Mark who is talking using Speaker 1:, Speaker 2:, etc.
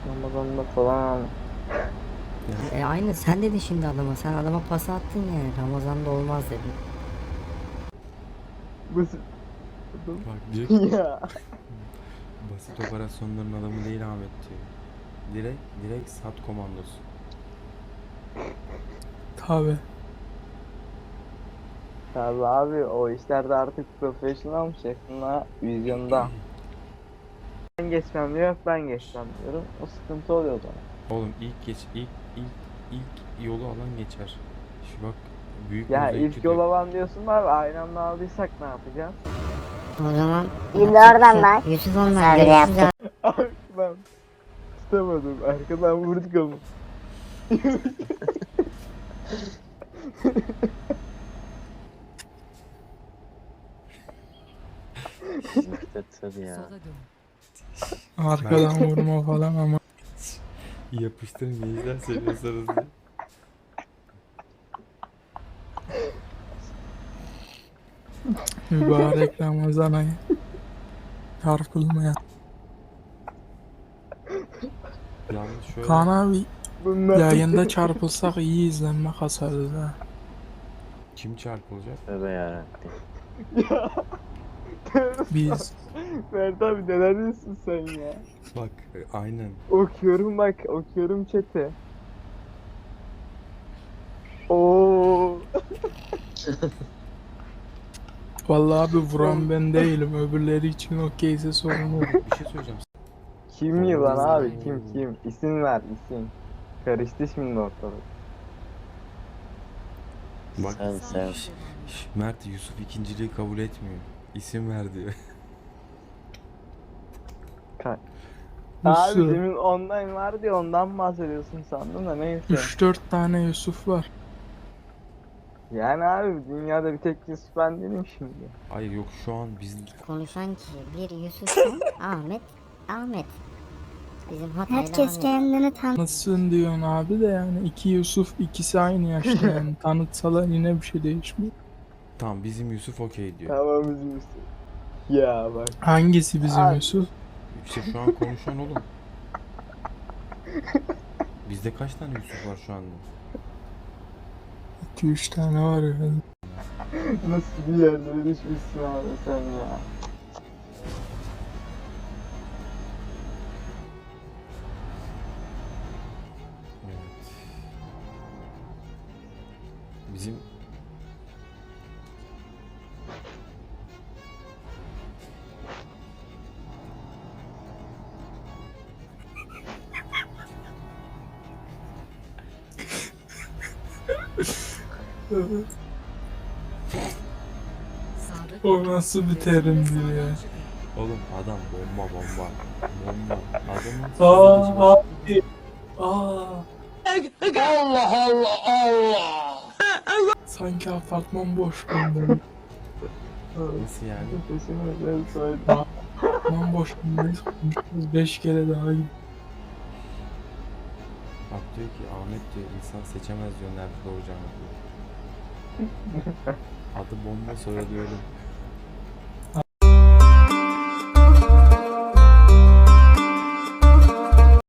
Speaker 1: Ramazan'da falan.
Speaker 2: Aynı sen dedin şimdi adama. Sen adama pas attın yani. Ramazan'da olmaz dedin.
Speaker 1: Basit.
Speaker 3: Bak direkt
Speaker 1: Ya.
Speaker 3: basit operasyonların adamı değil Ahmet diyor. Direkt sat komandosu.
Speaker 4: Tabi.
Speaker 1: Tabii abi o işlerde artık profesyonelmiş yakında vizyonda. Ben geçmem diyor, ben geçmem diyorum. O sıkıntı oluyor o zaman.
Speaker 3: Oğlum ilk yolu alan geçer. Şu bak büyük
Speaker 1: Ya
Speaker 3: mozaik
Speaker 1: ilk yol
Speaker 3: gidiyor.
Speaker 1: alan diyorsun abi, aynı anda aldıysak ne yapacağız?
Speaker 2: O zaman
Speaker 5: Şimdi oradan bak.
Speaker 2: Yusuf onlar
Speaker 5: Misafir
Speaker 2: görüşürüz
Speaker 5: yaptı.
Speaker 1: Abi ben tutamadım, arkadan vurduk ama.
Speaker 5: Tır ya.
Speaker 4: Arkadan vurma falan ama
Speaker 3: Yapıştırın gençler seviyorsanız diye.
Speaker 4: mübarek Ramazan ayı. Çarpılmaya.
Speaker 3: Yalnız şöyle
Speaker 4: Kaan abi
Speaker 1: Bunlar
Speaker 4: yayında çarpılsak iyi izlenme kasarız ha.
Speaker 3: kim çarpılacak?
Speaker 5: Tövbe yarabbim.
Speaker 1: ya.
Speaker 4: Biz
Speaker 1: Mert abi neler diyorsun sen ya?
Speaker 3: Bak aynen.
Speaker 1: Okuyorum bak, okuyorum chat'i. Oo.
Speaker 4: vallahi abi vuran ben değilim. Öbürleri için okeyse sorun yok.
Speaker 3: Bir şey söyleyeceğim.
Speaker 1: Kim yılan abi, kim? İsim ver, isim. Karıştı şimdi ortalık.
Speaker 3: Bak
Speaker 5: Sen.
Speaker 3: Mert Yusuf ikinciliği kabul etmiyor. İsim ver diyor.
Speaker 1: Abi
Speaker 4: Yusuf.
Speaker 1: demin online vardı ya, ondan bahsediyorsun sandım da neyse.
Speaker 4: 3-4 tane Yusuf var.
Speaker 1: Yani abi dünyada bir tek Yusuf ben değilim şimdi.
Speaker 3: Hayır yok şu an biz
Speaker 2: konuşan kişi bir Yusuf'sa Ahmet. Bizim Hatay'da
Speaker 5: Herkes
Speaker 2: Ahmet.
Speaker 5: kendini tam.
Speaker 4: Nasılsın diyorsun abi de yani iki Yusuf ikisi aynı yaşta yani tanıtsalar yine bir şey değişmiyor.
Speaker 3: tamam bizim Yusuf okey diyor.
Speaker 1: Tamam bizim Yusuf. Ya bak.
Speaker 4: Hangisi bizim
Speaker 1: Abi.
Speaker 4: Yusuf?
Speaker 3: İşte şu an konuşan oğlum. Bizde kaç tane Yusuf var şu anda?
Speaker 4: 2-3 tane var herhalde.
Speaker 1: Nasıl bir yerlere düşmüşsün abi sen ya.
Speaker 3: Evet. Bizim
Speaker 4: O nasıl bir terimdir ya?
Speaker 3: oğlum adam bomba. Adamın
Speaker 4: Aa abi. Aa. Sanki apartman boş kaldı.
Speaker 3: nasıl yani?
Speaker 1: Sesini özel söyle.
Speaker 4: Apartman boş kaldı. 5 kere daha git.
Speaker 3: Bak diyor ki Ahmet diyor insan seçemez diyor nerede doğacağını diyor. Adı bomba soyadı ölüm.